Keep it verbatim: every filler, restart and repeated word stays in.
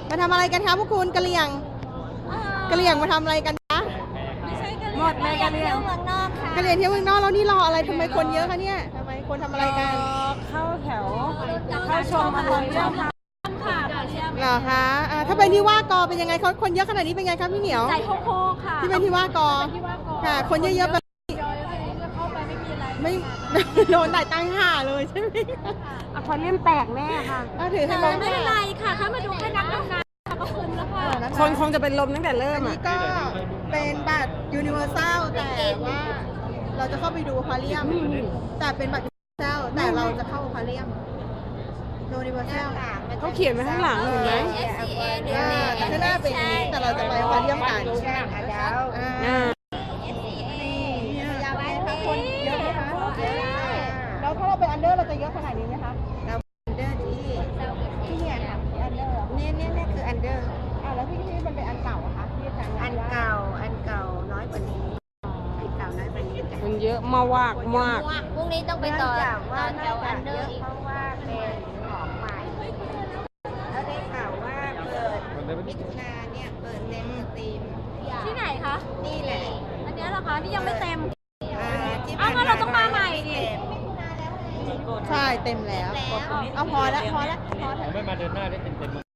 มาทำอะไรกันคะพวกคุณกะเหรี่ยงกะเหรี่ยงมาทำอะไรกันคะไม่ใช่กะเหหมดเลยกะเหรี่ยงเมืองนอกค่ะกะเหรี่ยงเที่ยวเมืองนอกแล้วนี่รออะไรทำไมคนเยอะคะเนี่ยทำไมคนทำอะไรกันเข้าแถวเข้าชมอารมณ์ช่วงค่ะเหรอคะอ่าถ้าเป็นที่ว่ากอเป็นยังไงเขาคนเยอะขนาดนี้เป็นไงคะพี่เหนียวใจโคกๆค่ะที่เป็นที่ว่ากอค่ะ คนเยอะๆแบบเข้าไปไม่มีอะไรไม่ โดนได้ตั้งห่าเลยใช่ไหมอะควาเรียมแตกแน่ค่ะอ่ะถือให้แต่มองไม่เป็นไรค่ะถ้ามาดูแค่นักดำน้ำก็คุ้มแล้วค่ะคนคงจะเป็นลมตั้งแต่เริ่อัมนอ่ะนี้ก็เป็นบัตรยูนิเวอร์แซลแต่ว่าเราจะเข้าไปดูอควาเรียม แต่เป็นบัตรยูนิเวอร์แซลแต่เราจะเข้าอควาเรียมยูนิเวอร์แซลเขาเขียนไว้ข้างหลังเห็นไหมอ่าแต่ข้างหน้าเป็นอย่างนี้แต่เราจะไปอควาเรียมกันอ่าอ่าอยากไปคะคนเยอะไหมคะแล้วถ้าเราเป็นอันเดอร์เราจะเยอะขนาดนี้ไหมคะเราอันเดอร์ที่ที่เนี่ยค่ะอันเดอร์เนี่ยเนี่ยเนี่ยคืออันเดอร์อ่าแล้วที่ที่มันเป็นอันเก่าอะคะที่อาจารย์อันเก่าอันเก่าน้อยกว่านี้อันเก่าน้อยกว่านี้จ้ะมันเยอะมากมากพรุ่งนี้ต้องไปต่อเนื่องจากว่าแถน่าวอัจะนเดเยออะร์อีกเพราะว่าเป็นของใหม่แล้วได้ข่าวว่าเปิดมิถุนาเนี่ยเปิดเต็มสตรีมที่ไหนคะนี่แหละอันนี้เหรอคะที่ยังไม่เต็มอ่าที่อ้าวงั้นเราต้องมาใหม่ดิใช่เต็มแล้ว เอาพอแล้วพอแล้วพอแล้วไม่มาเดินหน้าได้เต็มๆ